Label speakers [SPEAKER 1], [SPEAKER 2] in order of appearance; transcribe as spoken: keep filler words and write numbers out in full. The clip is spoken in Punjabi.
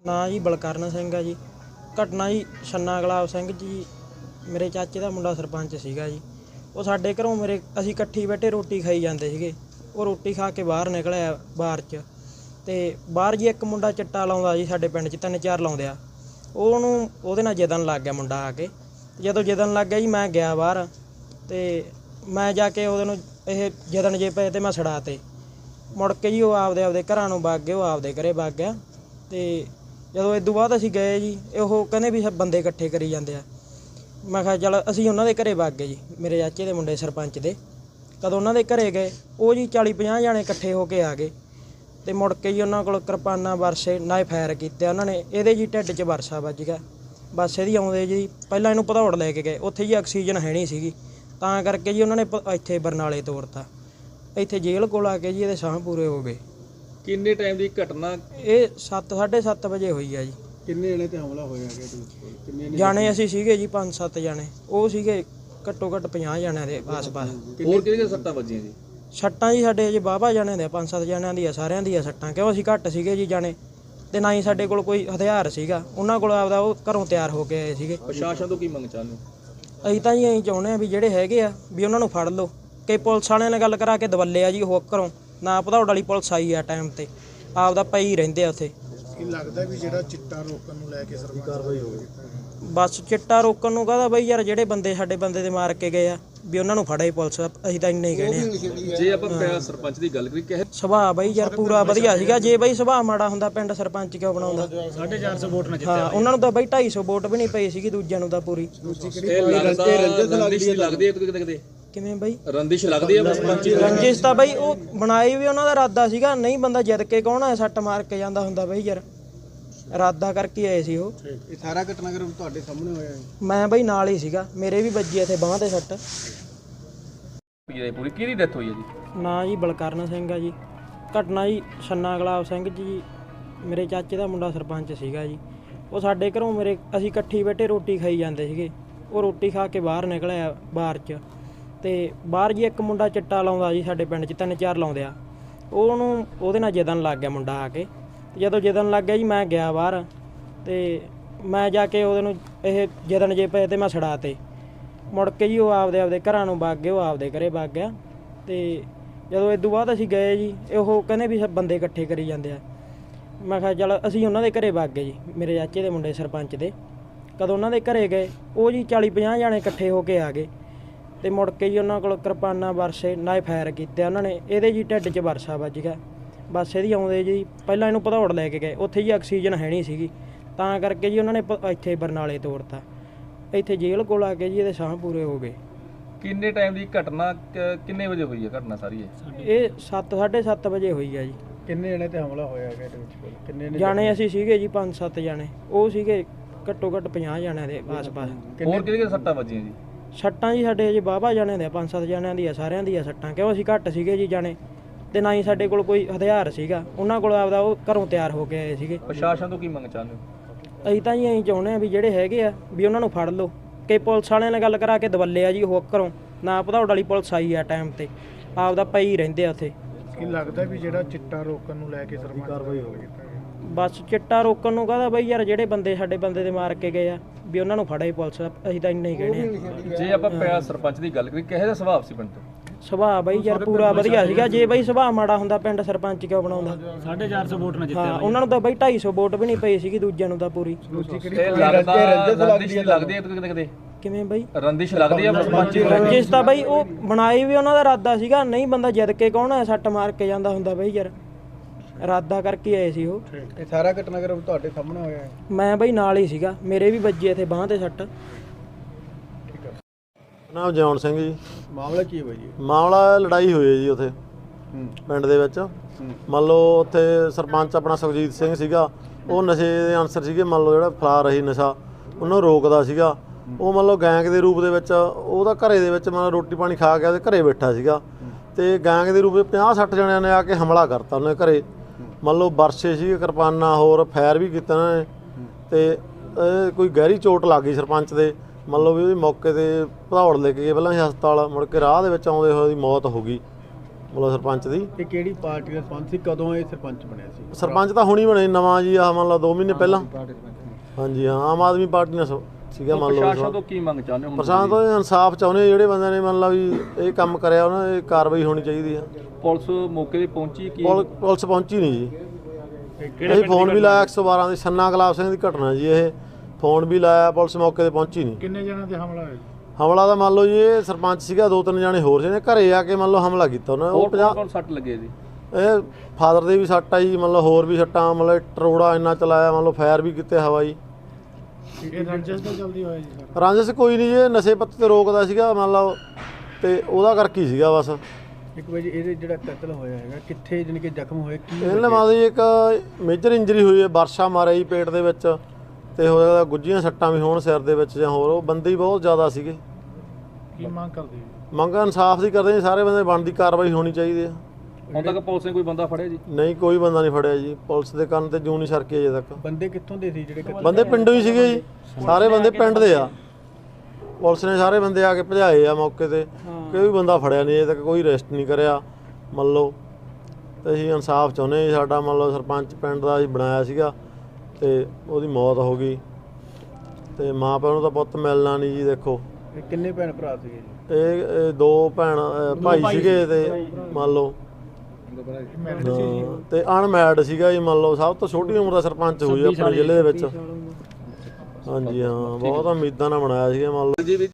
[SPEAKER 1] ਨਾਂ ਜੀ ਬਲਕਰਨ ਸਿੰਘ ਆ ਜੀ। ਘਟਨਾ ਜੀ ਛੰਨਾ ਗੁਲਾਬ ਸਿੰਘ ਜੀ ਮੇਰੇ ਚਾਚੇ ਦਾ ਮੁੰਡਾ ਸਰਪੰਚ ਸੀਗਾ ਜੀ। ਉਹ ਸਾਡੇ ਘਰੋਂ ਮੇਰੇ ਅਸੀਂ ਇਕੱਠੀ ਬੈਠੇ ਰੋਟੀ ਖਾਈ ਜਾਂਦੇ ਸੀਗੇ। ਉਹ ਰੋਟੀ ਖਾ ਕੇ ਬਾਹਰ ਨਿਕਲਿਆ ਬਾਰ 'ਚ ਅਤੇ ਬਾਹਰ ਜੀ ਇੱਕ ਮੁੰਡਾ ਚਿੱਟਾ ਲਾਉਂਦਾ ਜੀ ਸਾਡੇ ਪਿੰਡ 'ਚ ਤਿੰਨ ਚਾਰ ਲਾਉਂਦੇ ਆ। ਉਹਨੂੰ ਉਹਦੇ ਨਾਲ ਜਿੱਦਣ ਲੱਗ ਗਿਆ ਮੁੰਡਾ ਆ ਕੇ। ਜਦੋਂ ਜਿੱਦਣ ਲੱਗ ਗਿਆ ਜੀ ਮੈਂ ਗਿਆ ਬਾਹਰ ਅਤੇ ਮੈਂ ਜਾ ਕੇ ਉਹਦੇ ਨੂੰ ਇਹ ਜਿੱਦਣ ਜੇ ਪਏ ਅਤੇ ਮੈਂ ਛੁਡਾ ਤੇ ਮੁੜ ਕੇ ਜੀ ਉਹ ਆਪਦੇ ਆਪਦੇ ਘਰਾਂ ਨੂੰ ਵਗ ਗਏ। ਉਹ ਆਪਦੇ ਘਰੇ ਵਗ ਗਿਆ ਅਤੇ ਜਦੋਂ ਇਸ ਤੋਂ ਬਾਅਦ ਅਸੀਂ ਗਏ ਜੀ ਉਹ ਕਹਿੰਦੇ ਵੀ ਸਭ ਬੰਦੇ ਇਕੱਠੇ ਕਰੀ ਜਾਂਦੇ ਆ। ਮੈਂ ਕਿਹਾ ਚੱਲ ਅਸੀਂ ਉਹਨਾਂ ਦੇ ਘਰੇ ਵਗ ਗਏ ਜੀ ਮੇਰੇ ਚਾਚੇ ਦੇ ਮੁੰਡੇ ਸਰਪੰਚ ਦੇ। ਕਦੋਂ ਉਹਨਾਂ ਦੇ ਘਰੇ ਗਏ ਉਹ ਜੀ ਚਾਲੀ ਪੰਜਾਹ ਜਾਣੇ ਇਕੱਠੇ ਹੋ ਕੇ ਆ ਗਏ ਅਤੇ ਮੁੜ ਕੇ ਜੀ ਉਹਨਾਂ ਕੋਲ ਕਿਰਪਾਨਾਂ ਵਰਸੇ ਨਾਲੇ ਫਾਇਰ ਕੀਤੇ ਉਹਨਾਂ ਨੇ। ਇਹਦੇ ਜੀ ਢਿੱਡ 'ਚ ਵਰਸਾ ਵੱਜ ਗਿਆ। ਬਸ ਇਹਦੀ ਆਉਂਦੇ ਜੀ ਪਹਿਲਾਂ ਇਹਨੂੰ ਭਦੌੜ ਲੈ ਕੇ ਗਏ। ਉੱਥੇ ਜੀ ਆਕਸੀਜਨ ਹੈ ਨਹੀਂ ਸੀਗੀ ਤਾਂ ਕਰਕੇ ਜੀ ਉਹਨਾਂ ਨੇ ਪ ਇੱਥੇ ਬਰਨਾਲੇ ਤੋਰਤਾ। ਇੱਥੇ ਜੇਲ੍ਹ ਕੋਲ ਆ ਕੇ ਜੀ ਇਹਦੇ ਸਾਹ ਪੂਰੇ ਹੋ ਗਏ।
[SPEAKER 2] ਕਿੰਨੇ ਟਾਈਮ ਦੀ ਘਟਨਾ?
[SPEAKER 1] ਇਹ ਸੱਤ ਸਾਢੇ ਸੱਤ ਵਜੇ ਹੋਈ ਆ ਜੀ।
[SPEAKER 2] ਕਿੰਨੇ ਜਣੇ ਤੇ ਹਮਲਾ ਹੋਇਆ ਗਿਆ? ਕਿੰਨੇ
[SPEAKER 1] ਜਾਣੇ ਅਸੀਂ ਸੀਗੇ ਜੀ ਪੰਜ ਸੱਤ ਜਾਣੇ। ਉਹ ਸੀਗੇ ਘੱਟੋ ਘੱਟ ਪੰਜਾਹ ਜਣਿਆਂ ਦੇ ਆਸ-ਪਾਸ।
[SPEAKER 2] ਹੋਰ ਕਿਹੜੀਆਂ ਸੱਟਾਂ ਵੱਜੀਆਂ ਜੀ?
[SPEAKER 1] ਸੱਟਾਂ ਜੀ ਸਾਡੇ ਅਜੇ ਵਾਹਵਾ ਜਾਣਿਆਂ ਦੇ ਪੰਜ ਸੱਤ ਜਣਿਆਂ ਦੀਆਂ ਸਾਰਿਆਂ ਦੀਆਂ ਸੱਟਾਂ, ਕਿਉਂ ਅਸੀਂ ਘੱਟ ਸੀਗੇ ਜੀ ਜਾਣੇ ਅਤੇ ਨਾ ਹੀ ਸਾਡੇ ਕੋਲ ਕੋਈ ਹਥਿਆਰ ਸੀਗਾ। ਉਹਨਾਂ ਕੋਲ ਆਪਦਾ ਉਹ ਘਰੋਂ ਤਿਆਰ ਹੋ ਕੇ ਆਏ ਸੀਗੇ।
[SPEAKER 2] ਪ੍ਰਸ਼ਾਸਨ ਤੋਂ ਕੀ ਮੰਗ ਚਾਹੁੰਦੇ ਹੋ?
[SPEAKER 1] ਅਸੀਂ ਤਾਂ ਜੀ ਅਸੀਂ ਚਾਹੁੰਦੇ ਹਾਂ ਵੀ ਜਿਹੜੇ ਹੈਗੇ ਆ ਵੀ ਉਹਨਾਂ ਨੂੰ ਫੜ ਲਓ। ਕਿ ਪੁਲਿਸ ਵਾਲਿਆਂ ਨਾਲ ਗੱਲ ਕਰਾ ਕੇ ਦਵੱਲੇ ਆ ਜੀ ਉਹ ਘਰੋਂ ਨਾ ਭਦੌੜ ਵਾਲੀ ਪੁਲਿਸ ਆਈ ਆ ਟਾਈਮ 'ਤੇ ਆਪਦਾ ਪਈ ਰਹਿੰਦੇ ਆ ਉੱਥੇ।
[SPEAKER 3] ਕੀ ਲੱਗਦਾ ਵੀ ਜਿਹੜਾ ਚਿੱਟਾ ਰੋਕਣ ਨੂੰ ਲੈ ਕੇ ਸਰਕਾਰ ਕਾਰਵਾਈ ਹੋਵੇ?
[SPEAKER 1] ਬਸ ਚਿੱਟਾ ਰੋਕਣ ਨੂੰ ਕਹਦਾ ਬਈ ਯਾਰ ਜਿਹੜੇ ਬੰਦੇ ਸਾਡੇ ਬੰਦੇ ਦੇ ਮਾਰ ਕੇ ਗਏ ਆ ਵੀ ਉਹਨਾਂ ਨੂੰ ਫੜੇ ਪੁਲਿਸ। ਅਸੀਂ ਤਾਂ ਇੰਨਾ ਹੀ ਕਹਿੰਦੇ ਆ।
[SPEAKER 2] ਜੇ ਆਪਾਂ ਸਰਪੰਚ ਦੀ ਗੱਲ ਕਰੀ ਕਿਹ
[SPEAKER 1] ਸੁਭਾਅ ਬਈ ਯਾਰ ਪੂਰਾ ਵਧੀਆ ਸੀਗਾ। ਜੇ ਬਈ ਸੁਭਾਅ ਮਾੜਾ ਹੁੰਦਾ ਪਿੰਡ ਸਰਪੰਚ ਕਿਉਂ ਬਣਾਉਂਦਾ?
[SPEAKER 3] ਸਾਢੇ ਚਾਰ ਸੌ ਵੋਟ ਨਾਲ
[SPEAKER 1] ਹਾਂ ਉਹਨਾਂ ਨੂੰ ਤਾਂ ਬਈ ਢਾਈ ਸੌ ਵੋਟ ਵੀ ਨਹੀਂ ਪਈ ਸੀਗੀ ਦੂਜਿਆਂ ਨੂੰ ਤਾਂ ਪੂਰੀ।
[SPEAKER 2] ਰੰਦਿਸ਼ ਲੱਗਦੀ ਹੈ ਕਿਤੇ ਕਿਤੇ?
[SPEAKER 1] ਕਿਵੇਂ ਬਈ
[SPEAKER 2] ਰੰਦਿਸ਼ ਲੱਗਦੀ ਹੈ ਸਰਪੰਚ?
[SPEAKER 1] ਰੰਜਿਸ਼ ਤਾਂ ਬਈ ਉਹ ਬਣਾਈ ਵੀ ਉਹਨਾਂ ਦਾ ਇਰਾਦਾ ਸੀਗਾ। ਨਹੀਂ ਬੰਦਾ ਜਿੱਦ ਕੇ ਕੌਣ ਹੈ ਸੱਟ ਮਾਰ ਕੇ ਜਾਂਦਾ ਹੁੰਦਾ ਬਈ ਯਾਰ। ਇਰਾਦਾ ਕਰਕੇ ਆਏ ਸੀ ਉਹ।
[SPEAKER 3] ਇਹ ਸਾਰਾ ਘਟਨਾਕ੍ਰਮ ਤੁਹਾਡੇ ਸਾਹਮਣੇ ਹੋਇਆ ਹੈ?
[SPEAKER 1] ਮੈਂ ਬਈ ਨਾਲ ਹੀ ਸੀਗਾ। ਮੇਰੇ ਵੀ ਵੱਜੀ ਇੱਥੇ ਬਾਂਹ 'ਤੇ ਸੱਟ।
[SPEAKER 2] ਪੂਰੀ ਕਿਹਦੀ ਡੈਥ ਹੋਈ ਹੈ ਜੀ?
[SPEAKER 1] ਨਾਂ ਜੀ ਬਲਕਰਨ ਸਿੰਘ ਆ ਜੀ। ਘਟਨਾ ਜੀ ਛੰਨਾ ਗੁਲਾਬ ਸਿੰਘ ਜੀ ਮੇਰੇ ਚਾਚੇ ਦਾ ਮੁੰਡਾ ਸਰਪੰਚ ਸੀਗਾ ਜੀ। ਉਹ ਸਾਡੇ ਘਰੋਂ ਮੇਰੇ ਅਸੀਂ ਇਕੱਠੀ ਬੈਠੇ ਰੋਟੀ ਖਾਈ ਜਾਂਦੇ ਸੀਗੇ। ਉਹ ਰੋਟੀ ਖਾ ਕੇ ਬਾਹਰ ਨਿਕਲਿਆ ਬਾਰ 'ਚ ਅਤੇ ਬਾਹਰ ਜੀ ਇੱਕ ਮੁੰਡਾ ਚਿੱਟਾ ਲਾਉਂਦਾ ਜੀ ਸਾਡੇ ਪਿੰਡ 'ਚ ਤਿੰਨ ਚਾਰ ਲਾਉਂਦੇ ਆ। ਉਹਨੂੰ ਉਹਦੇ ਨਾਲ ਜਿੱਦਣ ਲੱਗ ਗਿਆ ਮੁੰਡਾ ਆ ਕੇ। ਜਦੋਂ ਜਿੱਦਣ ਲੱਗ ਗਿਆ ਜੀ ਮੈਂ ਗਿਆ ਬਾਹਰ ਅਤੇ ਮੈਂ ਜਾ ਕੇ ਉਹਦੇ ਨੂੰ ਇਹ ਜਿੱਦਣ ਜੇ ਪਏ ਅਤੇ ਮੈਂ ਛੁਡਾ ਤੇ ਮੁੜ ਕੇ ਜੀ ਉਹ ਆਪਦੇ ਆਪਦੇ ਘਰਾਂ ਨੂੰ ਵਗ ਗਏ। ਉਹ ਆਪਦੇ ਘਰੇ ਵਗ ਗਿਆ ਅਤੇ ਜਦੋਂ ਇਸ ਤੋਂ ਬਾਅਦ ਅਸੀਂ ਗਏ ਜੀ ਉਹ ਕਹਿੰਦੇ ਵੀ ਸਭ ਬੰਦੇ ਇਕੱਠੇ ਕਰੀ ਜਾਂਦੇ ਆ। ਮੈਂ ਕਿਹਾ ਚੱਲ ਅਸੀਂ ਉਹਨਾਂ ਦੇ ਘਰੇ ਵਗ ਗਏ ਜੀ ਮੇਰੇ ਚਾਚੇ ਦੇ ਮੁੰਡੇ ਸਰਪੰਚ ਦੇ। ਕਦੋਂ ਉਹਨਾਂ ਦੇ ਘਰੇ ਗਏ ਉਹ ਜੀ ਚਾਲੀ ਪੰਜਾਹ ਜਾਣੇ ਇਕੱਠੇ ਹੋ ਕੇ ਆ ਗਏ ਅਤੇ ਮੁੜ ਕੇ ਜੀ ਉਹਨਾਂ ਕੋਲ ਕਿਰਪਾਨਾਂ ਵਰਸੇ ਨਾਲੇ ਫਾਇਰ ਕੀਤੇ ਉਹਨਾਂ ਨੇ। ਇਹਦੇ ਜੀ ਢਿੱਡ 'ਚ ਵਰਸਾ ਵੱਜ ਗਿਆ। ਬਸ ਇਹਦੀ ਆਉਂਦੇ ਜੀ ਪਹਿਲਾਂ ਇਹਨੂੰ ਭਦੌੜ ਲੈ ਕੇ ਗਏ। ਉੱਥੇ ਜੀ ਆਕਸੀਜਨ ਹੈ ਨਹੀਂ ਸੀਗੀ ਤਾਂ ਕਰਕੇ ਜੀ ਉਹਨਾਂ ਨੇ ਪ ਇੱਥੇ ਬਰਨਾਲੇ ਤੋਰਤਾ। ਇੱਥੇ ਜੇਲ੍ਹ ਕੋਲ ਆ ਕੇ ਜੀ ਇਹਦੇ ਸਾਹ ਪੂਰੇ ਹੋ ਗਏ।
[SPEAKER 2] ਕਿੰਨੇ ਟਾਈਮ ਦੀ ਘਟਨਾ? ਕਿੰਨੇ ਵਜੇ ਹੋਈ ਹੈ ਘਟਨਾ ਸਾਰੀ ਇਹ?
[SPEAKER 1] ਇਹ ਸੱਤ ਸਾਢੇ ਸੱਤ ਵਜੇ ਹੋਈ ਆ ਜੀ।
[SPEAKER 3] ਕਿੰਨੇ ਜਣੇ ਤੇ ਹਮਲਾ ਹੋਇਆ ਹੈਗਾ ਇਹਦੇ ਵਿੱਚ? ਕਿੰਨੇ
[SPEAKER 1] ਜਾਣੇ ਅਸੀਂ ਸੀਗੇ ਜੀ ਪੰਜ ਸੱਤ ਜਾਣੇ। ਉਹ ਸੀਗੇ ਘੱਟੋ ਘੱਟ ਪੰਜਾਹ ਜਣਿਆਂ ਦੇ ਆਸ-ਪਾਸ।
[SPEAKER 2] ਹੋਰ ਕਿਹੜੀਆਂ ਸੱਟਾਂ ਵੱਜੀਆਂ ਜੀ?
[SPEAKER 1] ਸੱਟਾਂ ਜੀ ਸਾਡੇ ਅਜੇ ਵਾਹਵਾ ਜਾਣਿਆਂ ਦੇ ਪੰਜ ਸੱਤ ਜਣਿਆਂ ਦੀਆਂ ਸਾਰਿਆਂ ਦੀਆਂ ਸੱਟਾਂ, ਕਿਉਂ ਅਸੀਂ ਘੱਟ ਸੀਗੇ ਜੀ ਜਾਣੇ ਅਤੇ ਨਾ ਹੀ ਸਾਡੇ ਕੋਲ ਕੋਈ ਹਥਿਆਰ ਸੀਗਾ। ਉਹਨਾਂ ਕੋਲ ਆਪਦਾ ਉਹ ਘਰੋਂ ਤਿਆਰ ਹੋ ਕੇ ਆਏ ਸੀਗੇ।
[SPEAKER 2] ਪ੍ਰਸ਼ਾਸਨ ਤੋਂ ਕੀ ਮੰਗ ਚਾਹੁੰਦੇ ਹੋ?
[SPEAKER 1] ਅਸੀਂ ਤਾਂ ਜੀ ਅਸੀਂ ਚਾਹੁੰਦੇ ਹਾਂ ਵੀ ਜਿਹੜੇ ਹੈਗੇ ਆ ਵੀ ਉਹਨਾਂ ਨੂੰ ਫੜ ਲਓ। ਕਿ ਪੁਲਿਸ ਵਾਲਿਆਂ ਨਾਲ ਗੱਲ ਕਰਾ ਕੇ ਦਵੱਲੇ ਆ ਜੀ ਉਹ ਘਰੋਂ ਨਾ ਭਦੌੜ ਵਾਲੀ ਪੁਲਿਸ ਆਈ ਆ ਟਾਈਮ 'ਤੇ ਆਪਦਾ ਪਈ ਰਹਿੰਦੇ ਆ ਉੱਥੇ।
[SPEAKER 3] ਕੀ ਲੱਗਦਾ ਵੀ ਜਿਹੜਾ ਚਿੱਟਾ ਰੋਕਣ ਨੂੰ ਲੈ ਕੇ ਸਰਕਾਰ ਕਾਰਵਾਈ ਹੋਵੇ?
[SPEAKER 1] ਬਸ ਚਿੱਟਾ ਰੋਕਣ ਨੂੰ ਕਹਦਾ ਬਈ ਯਾਰ ਜਿਹੜੇ ਬੰਦੇ ਸਾਡੇ ਬੰਦੇ ਦੇ ਮਾਰ ਕੇ ਗਏ ਆ ਵੀ ਉਹਨਾਂ ਨੂੰ ਫੜੇ ਪੁਲਿਸ। ਅਸੀਂ ਤਾਂ ਇੰਨਾ ਹੀ ਕਹਿੰਦੇ ਆ।
[SPEAKER 2] ਜੇ ਆਪਾਂ ਸਰਪੰਚ ਦੀ ਗੱਲ ਕਰੀ ਕਿਹੋ ਜਿਹਾ ਸੁਭਾਅ ਸੀ ਪਿੰਡ ਤੋਂ?
[SPEAKER 1] ਸੁਭਾਅ ਬਈ ਯਾਰ ਪੂਰਾ ਵਧੀਆ ਸੀਗਾ। ਜੇ ਬਈ ਸੁਭਾਅ ਮਾੜਾ ਹੁੰਦਾ ਪਿੰਡ ਸਰਪੰਚ ਕਿਉਂ ਬਣਾਉਂਦਾ?
[SPEAKER 3] ਸਾਢੇ ਚਾਰ ਸੌ ਵੋਟ ਨਾਲ
[SPEAKER 1] ਹਾਂ ਉਹਨਾਂ ਨੂੰ ਤਾਂ ਬਈ ਢਾਈ ਸੌ ਵੋਟ ਵੀ ਨਹੀਂ ਪਈ ਸੀਗੀ ਦੂਜਿਆਂ ਨੂੰ ਤਾਂ ਪੂਰੀ।
[SPEAKER 2] ਰੰਦਿਸ਼ ਲੱਗਦੀ ਹੈ ਕਿਤੇ ਕਿਤੇ?
[SPEAKER 1] ਕਿਵੇਂ ਬਈ
[SPEAKER 2] ਰੰਦਿਸ਼ ਲੱਗਦੀ ਹੈ ਸਰਪੰਚ?
[SPEAKER 1] ਰੰਜਿਸ਼ ਤਾਂ ਬਈ ਉਹ ਬਣਾਈ ਵੀ ਉਹਨਾਂ ਦਾ ਇਰਾਦਾ ਸੀਗਾ। ਨਹੀਂ ਬੰਦਾ ਜਿੱਦ ਕੇ ਕੌਣ ਹੈ ਸੱਟ ਮਾਰ ਕੇ ਜਾਂਦਾ ਹੁੰਦਾ ਬਈ ਯਾਰ। ਇਰਾਦਾ ਕਰਕੇ ਆਏ ਸੀ ਉਹ।
[SPEAKER 3] ਇਹ ਸਾਰਾ ਘਟਨਾਕ੍ਰਮ ਤੁਹਾਡੇ ਸਾਹਮਣੇ ਹੋਇਆ ਹੈ?
[SPEAKER 1] ਮੈਂ ਬਈ ਨਾਲ ਹੀ ਸੀਗਾ। ਮੇਰੇ ਵੀ ਵੱਜੀ ਇੱਥੇ ਬਾਂਹ 'ਤੇ ਸੱਟ।
[SPEAKER 4] ਨਾਮ ਜੌਨ ਸਿੰਘ ਜੀ।
[SPEAKER 3] ਮਾਮਲਾ ਕੀ ਹੋਇਆ ਜੀ?
[SPEAKER 4] ਮਾਮਲਾ ਲੜਾਈ ਹੋਈ ਹੈ ਜੀ ਉੱਥੇ ਪਿੰਡ ਦੇ ਵਿੱਚ। ਮੰਨ ਲਓ ਉੱਥੇ ਸਰਪੰਚ ਆਪਣਾ ਸੁਖਜੀਤ ਸਿੰਘ ਸੀਗਾ। ਉਹ ਨਸ਼ੇ ਦੇ ਅਨਸਰ ਸੀਗੇ। ਮੰਨ ਲਓ ਜਿਹੜਾ ਫੈਲਾ ਰਹੀ ਨਸ਼ਾ ਉਹਨੂੰ ਰੋਕਦਾ ਸੀਗਾ। ਉਹ ਮੰਨ ਲਓ ਗੈਂਗ ਦੇ ਰੂਪ ਦੇ ਵਿੱਚ ਉਹਦਾ ਘਰੇ ਦੇ ਵਿੱਚ ਮਤਲਬ ਰੋਟੀ ਪਾਣੀ ਖਾ ਕੇ ਉਹਦੇ ਘਰੇ ਬੈਠਾ ਸੀਗਾ ਅਤੇ ਗੈਂਗ ਦੇ ਰੂਪ ਵਿੱਚ ਪੰਜਾਹ ਸੱਠ ਜਣਿਆਂ ਨੇ ਆ ਕੇ ਹਮਲਾ ਕਰਤਾ ਉਹਨੇ ਘਰੇ। ਮੰਨ ਲਓ ਵਰਸੇ ਸੀਗੇ ਕਿਰਪਾਨਾਂ, ਹੋਰ ਫਾਇਰ ਵੀ ਕੀਤਾ ਉਹਨਾਂ ਨੇ ਅਤੇ ਕੋਈ ਗਹਿਰੀ ਚੋਟ ਲੱਗ ਗਈ ਸਰਪੰਚ ਦੇ। ਮੰਨ ਲਓ ਵੀ ਉਹਦੀ ਮੌਕੇ 'ਤੇ ਭਦੌੜ ਲੈ ਕੇ ਗਏ ਪਹਿਲਾਂ ਅਸੀਂ ਹਸਪਤਾਲ। ਮੁੜ ਕੇ ਰਾਹ ਦੇ ਵਿੱਚ ਆਉਂਦੇ ਹੋਏ ਉਹਦੀ ਮੌਤ ਹੋ ਗਈ। ਮਤਲਬ ਸਰਪੰਚ ਦੀ।
[SPEAKER 3] ਇਹ ਕਿਹੜੀ ਪਾਰਟੀ ਦਾ ਸਰਪੰਚ ਸੀ, ਕਦੋਂ ਇਹ ਸਰਪੰਚ ਬਣਿਆ ਸੀ?
[SPEAKER 4] ਸਰਪੰਚ ਤਾਂ ਹੁਣੀ ਬਣੇ ਨਵਾਂ ਜੀ, ਆ ਮੰਨ ਲਓ ਦੋ ਮਹੀਨੇ ਪਹਿਲਾਂ। ਹਾਂਜੀ ਹਾਂ, ਆਮ ਆਦਮੀ ਪਾਰਟੀ ਨਾਲ ਸ- ਸੀਗਾ ਮੰਨ ਲਓ।
[SPEAKER 2] ਪ੍ਰਸ਼ਾਸਨ ਤੋਂ ਕੀ ਮੰਗ ਚਾਹੁੰਦੇ ਹੋ ਹੁਣ
[SPEAKER 4] ਪ੍ਰਸ਼ਾਸਨ ਤੋਂ ਇਨਸਾਫ ਚਾਹੁੰਦੇ ਜਿਹੜੇ ਬੰਦੇ ਨੇ ਮੰਨ ਲਾ ਵੀ ਇਹ ਕੰਮ ਕਰਿਆ ਉਹਨਾਂ ਦੀ ਕਾਰਵਾਈ ਹੋਣੀ ਚਾਹੀਦੀ ਆ।
[SPEAKER 2] ਪੁਲਿਸ ਮੌਕੇ ਤੇ ਪਹੁੰਚੀ ਕੀ
[SPEAKER 4] ਪੁਲ- ਪੁਲਿਸ ਪਹੁੰਚੀ ਨਹੀਂ ਜੀ। ਅਸੀਂ ਫੋਨ ਵੀ ਲਾਇਆ ਇੱਕ ਸੌ ਬਾਰਾਂ ਦੀ, ਛੰਨਾ ਗੁਲਾਬ ਸਿੰਘ ਦੀ ਘਟਨਾ ਜੀ ਇਹ, ਫੋਨ ਵੀ ਲਾਇਆ, ਪੁਲਿਸ ਮੌਕੇ ਤੇ ਪਹੁੰਚੀ ਨਹੀਂ।
[SPEAKER 3] ਕਿੰਨੇ ਜਣਾਂ ਤੇ ਹਮਲਾ ਹੋਇਆ?
[SPEAKER 4] ਹਮਲਾ ਦਾ ਮੰਨ ਲਓ ਜੀ ਇਹ ਸਰਪੰਚ ਸੀਗਾ, ਦੋ ਤਿੰਨ ਜਾਣੇ ਹੋਰ ਸੀ ਨੇ ਘਰੇ ਆ ਕੇ ਮੰਨ ਲਓ ਹਮਲਾ ਕੀਤਾ ਉਹਨਾਂ ਨੇ। ਉਹ
[SPEAKER 2] ਹੋਰ
[SPEAKER 4] ਪੰਜਾਹ
[SPEAKER 2] ਕੌਣ ਸੱਟ ਲੱਗੇ ਜੀ?
[SPEAKER 4] ਇਹ ਫਾਦਰ ਦੇ ਵੀ ਸੱਟ ਆ ਜੀ, ਮਤਲਬ ਹੋਰ ਵੀ ਸੱਟਾਂ, ਮਤਲਬ ਟਰੋੜਾ ਇੰਨਾ ਚਲਾਇਆ, ਮੰਨ ਲਓ ਫਾਇਰ ਵੀ ਕੀਤੇ ਹਵਾਈ।
[SPEAKER 3] ਇਹ ਰੰਜਸ ਤਾਂ ਜਲਦੀ ਹੋਇਆ ਜੀ ਸਰ?
[SPEAKER 4] ਰਾਂਝਸ ਕੋਈ ਨਹੀਂ ਜੀ, ਇਹ ਨਸ਼ੇ ਪੱਤੇ ਤੇ ਰੋਕਦਾ ਸੀਗਾ ਮੰਨ ਲਓ, ਤੇ ਉਹਦਾ ਕਰਕੇ ਹੀ ਸੀਗਾ ਬਸ।
[SPEAKER 3] ਇੱਕ ਵਜੇ ਇਹਦੇ ਜਿਹੜਾ ਕਤਲ ਹੋਇਆ ਹੈਗਾ ਕਿੱਥੇ ਜਾਣੀ ਕਿ ਜ਼ਖਮ ਹੋਏ ਕੀ
[SPEAKER 4] ਇਹਨਾਂ ਮਾਂ ਦੀ ਇੱਕ ਮੇਜਰ ਇੰਜਰੀ ਹੋਈ ਹੈ, ਵਰਸ਼ਾ ਮਾਰਿਆ ਜੀ ਪੇਟ ਦੇ ਵਿੱਚ, ਤੇ ਹੋ ਸਕਦਾ ਗੁੱਜੀਆਂ ਸੱਟਾਂ ਵੀ ਹੋਣ ਸਿਰ ਦੇ ਵਿੱਚ ਜਾਂ ਹੋਰ। ਉਹ ਬੰਦੇ ਹੀ ਬਹੁਤ ਜ਼ਿਆਦਾ ਸੀਗੇ।
[SPEAKER 3] ਕੀ ਮੰਗ ਕਰਦੇ?
[SPEAKER 4] ਮੰਗ ਇਨਸਾਫ ਦੀ ਕਰਦੇ ਜੀ, ਸਾਰੇ ਬੰਦੇ ਬਣਦੀ ਕਾਰਵਾਈ ਹੋਣੀ ਚਾਹੀਦੀ ਹੈ।
[SPEAKER 2] ਹੁਣ ਤੱਕ ਪੁਲਿਸ ਨੇ ਕੋਈ ਬੰਦਾ ਫੜਿਆ ਜੀ?
[SPEAKER 4] ਨਹੀਂ ਕੋਈ ਬੰਦਾ ਨਹੀਂ ਫੜਿਆ ਜੀ, ਪੁਲਿਸ ਦੇ ਕੰਨ ਤੇ ਜੂੰ ਨਹੀਂ ਸਰਕੀ ਅਜੇ ਤੱਕ।
[SPEAKER 3] ਬੰਦੇ ਕਿੱਥੋਂ ਦੇ ਸੀ ਜਿਹੜੇ ਕਤਲ?
[SPEAKER 4] ਬੰਦੇ ਪਿੰਡੋਂ ਹੀ ਸੀਗੇ ਜੀ, ਸਾਰੇ ਬੰਦੇ ਪਿੰਡ ਦੇ ਆ। ਪੁਲਿਸ ਨੇ ਸਾਰੇ ਬੰਦੇ ਆ ਕੇ ਭਜਾਏ ਆ ਮੌਕੇ ਤੇ, ਕੋਈ ਬੰਦਾ ਫੜਿਆ ਨਹੀਂ ਅਜੇ ਤੱਕ, ਕੋਈ ਅਰੈਸਟ ਨਹੀਂ ਕਰਿਆ ਮੰਨ ਲਓ। ਤੇ ਅਸੀਂ ਇਨਸਾਫ ਚਾਹੁੰਦੇ ਜੀ, ਸਾਡਾ ਮੰਨ ਲਓ ਸਰਪੰਚ ਪਿੰਡ ਦਾ ਅਸੀਂ ਬਣਾਇਆ ਸੀਗਾ ਤੇ ਉਹਦੀ ਮੌਤ ਹੋ ਗਈ, ਤੇ ਮਾਂ ਪਿਓ ਨੂੰ ਤਾਂ ਪੁੱਤ ਮਿਲਣਾ ਨਹੀਂ ਜੀ। ਦੇਖੋ
[SPEAKER 3] ਇਹ ਕਿੰਨੇ ਭੈਣ ਭਰਾ ਸੀਗੇ ਜੀ?
[SPEAKER 4] ਇਹ ਇਹ ਦੋ ਭੈਣ ਅ, ਭਾਈ ਸੀਗੇ ਤੇ ਮੰਨ ਲਓ
[SPEAKER 3] ਮੈਰਿਡ ਸੀ ਜੀ?
[SPEAKER 4] ਹਾਂ, ਤੇ ਅਨਮੈਰਿਡ ਸੀਗਾ ਜੀ ਮੰਨ ਲਓ। ਸਭ ਤੋਂ ਛੋਟੀ ਉਮਰ ਦਾ ਸਰਪੰਚ ਹੋਈ ਆਪਣੇ ਜ਼ਿਲ੍ਹੇ ਦੇ ਵਿੱਚ। ਹਾਂਜੀ ਹਾਂ, ਬਹੁਤ ਉਮੀਦਾਂ ਨਾਲ ਬਣਾਇਆ ਸੀਗਾ ਮੰਨ ਲਓ।
[SPEAKER 2] ਜੀ ਵੀ